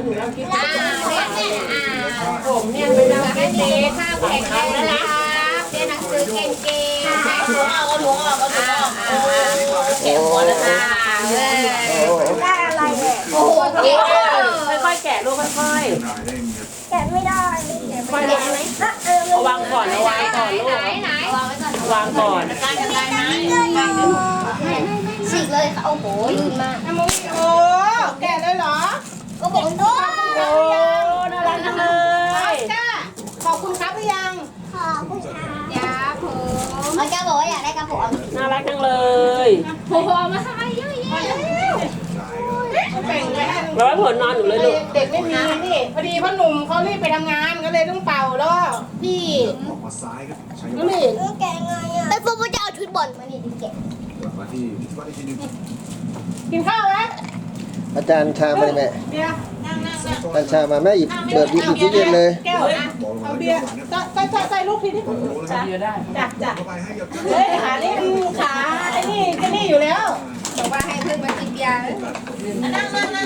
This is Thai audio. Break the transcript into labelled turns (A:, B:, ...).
A: ถึงแล้วคิด
B: ผมเนี่ยไปทำเต้ข้าวแข็งแรงนะครับเรียนหนังสือเก่งๆเอาถุงออกเก็บหัวแล้วค่ะ
C: ได้อะไรเนี่ย
B: โอ้โหเก่ง
A: ค่อยๆแกะลูกค่อย
C: แกะไม่ได้แกะไม่ได้ไหม
A: ๆวางก่อนวางก่อนลูก
B: ไหนวางไว้ก่อน
A: วางก่อน
B: การจัดการนะฉีกเลยค่ะโอ้โหลื่นมาก
D: โอ้แกะเลยเหรอ
B: ก็บอกโอ้
A: โอ้น่ารักจังเลย
D: จ้าขอบคุณครับหรือยัง
C: ขอบคุณค่ะ
B: ยาผมอาจารย์บอกว่าอยากได้กระผม
A: น่ารักจังเลย
B: ผมเอามาทำไมเยอะแยะ
D: แบ่งไว้ให้
A: แล้วผลนอนหนูเลยลูก
D: เด็กไม่มีนี่พอดีพ่อหนุ่มเขารีบไปทำงานก็เลยต้องเป่าแล้วพี่
E: ออกมาซ้ายครับใช้
D: ก็นี่
C: แกะไงอ่ะ
B: ไอ้พวกมันจะเอาชุดบอลมานี่ดิแก
E: กลับมาที่บ้านอีกทีหนึง
D: กินข้าวไหม
F: อาจารย์ชามาเลยแม่
D: เบียร์
F: อาจารย์ชามาแม่หยิบเปิดหยิบตู้เย็นเลย
D: แก้วเอาเบียร์ใส่ลูกพี่ดิ
A: เยอะได้
D: จ้ะ
E: เข้าไปให้กับ
D: เฮ้ยขานี่ขาไอ้นี่ก็นี่อยู่แล้ว
B: บอกว่าให้เพื่อนมากินเบียร์นั่ง